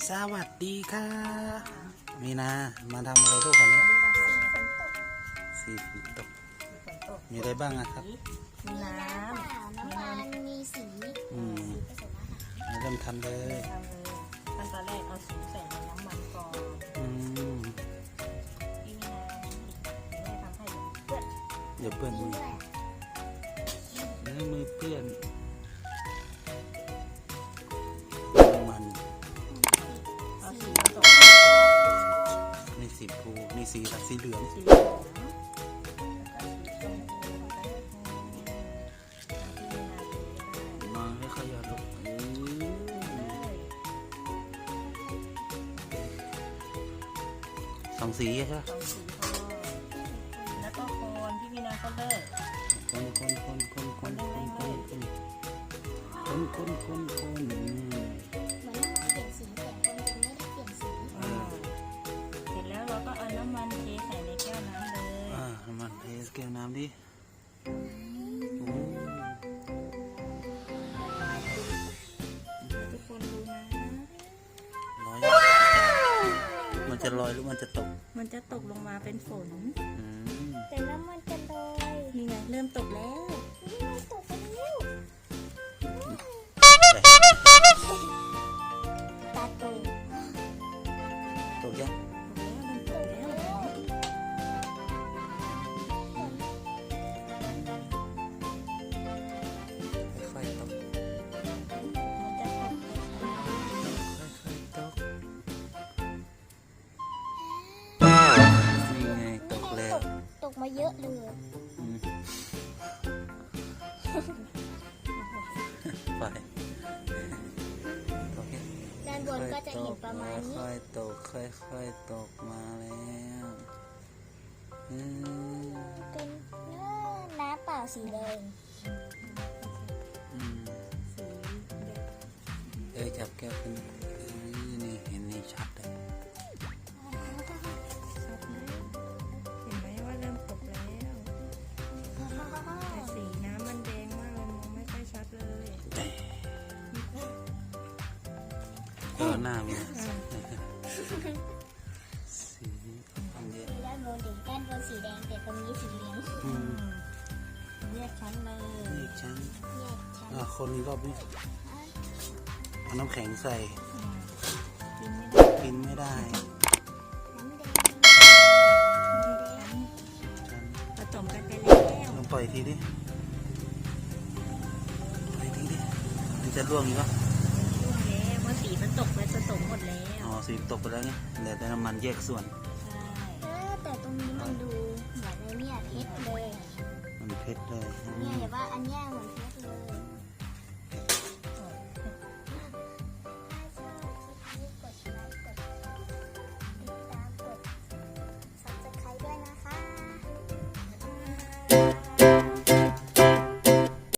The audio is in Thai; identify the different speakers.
Speaker 1: สวัสดีค่ะมีนามาทำอะไรทุกคนนี้สีฝนตกมีอะไรบ้างอะครับ
Speaker 2: มีน้ำมีสี
Speaker 1: เริ่มทำเลย
Speaker 2: ขั้นตอนแรกเอาสีใส่ในน้ำมันก่อนที่มีน้ำแม่ทำให้เปื้อน
Speaker 1: เดี๋ยวเปื้อนมือเปื้อนมัน
Speaker 2: เอาสีผสม
Speaker 1: นี่สีฟูนี่สีเหลืองมาให้เขาหยอดลงสองสีใช่ไหม
Speaker 2: 2 สีพอแล้วก็คนพี่มีนาก็เลิก
Speaker 1: คน
Speaker 2: เหมือนเราเปลี่ยนสีแต่คนยังไม่ได้เปลี่ยนสีเสร็จแล้วเราก็เอาน้ำมันเทใส่ในแก้วน้ำเลย
Speaker 1: น้ำมันเทแก้วน้ำดิ
Speaker 2: ทุกคนดูนะ
Speaker 1: มันจะลอยหรือมันจะตก
Speaker 2: มันจะตกลงมาเป็นฝน
Speaker 3: แต่แล้วมันจะลอย
Speaker 2: นี่ไงเริ่มตกแล้ว
Speaker 3: ตกไปแล้วตาโต
Speaker 1: ตกยังค่อยๆตกนี่ไงตกแล้ว
Speaker 3: ตกมาเยอะเลย
Speaker 1: ไปตกยัง
Speaker 3: ด้านบนก็จะเห็นประมาณนี้
Speaker 1: ค่อยๆตกค่อยๆตกมาแล้ว
Speaker 3: เป็นน้ำเปล่าสีแดง
Speaker 1: จับแก้วขึ้นนี่เห็นนี่ชัดเลย
Speaker 2: เห็นไหมว่าเริ่มตกแล้วแต่สีน้ำมันแดงมากเลยมองไม่ค่อยชัดเลย
Speaker 1: หน้ามีสี
Speaker 3: ด้านบนสีแดงแต่ตรงนี้สีเหลือง
Speaker 2: แยกชั้นเลย
Speaker 1: แยกชั้นคนนี้รอบนี้เอาน้ำแข็งใส่กินไม่ได้
Speaker 2: ผสมกันไปแล้ว
Speaker 1: ลองปล่อยทีดิมันจะร่วงอีกปะ
Speaker 2: เมื่อสีมันตกไปผสมหมดแล้ว
Speaker 1: สีตกไปแล้วไงเหลือแต่น้ำมันแยกส่วน
Speaker 3: แต่ตรงนี้มันดูเหมือนเนี่ยเพชรเลย
Speaker 1: มันเพชรเลย
Speaker 3: เนี่ยแต่ว่าอันเนี้ย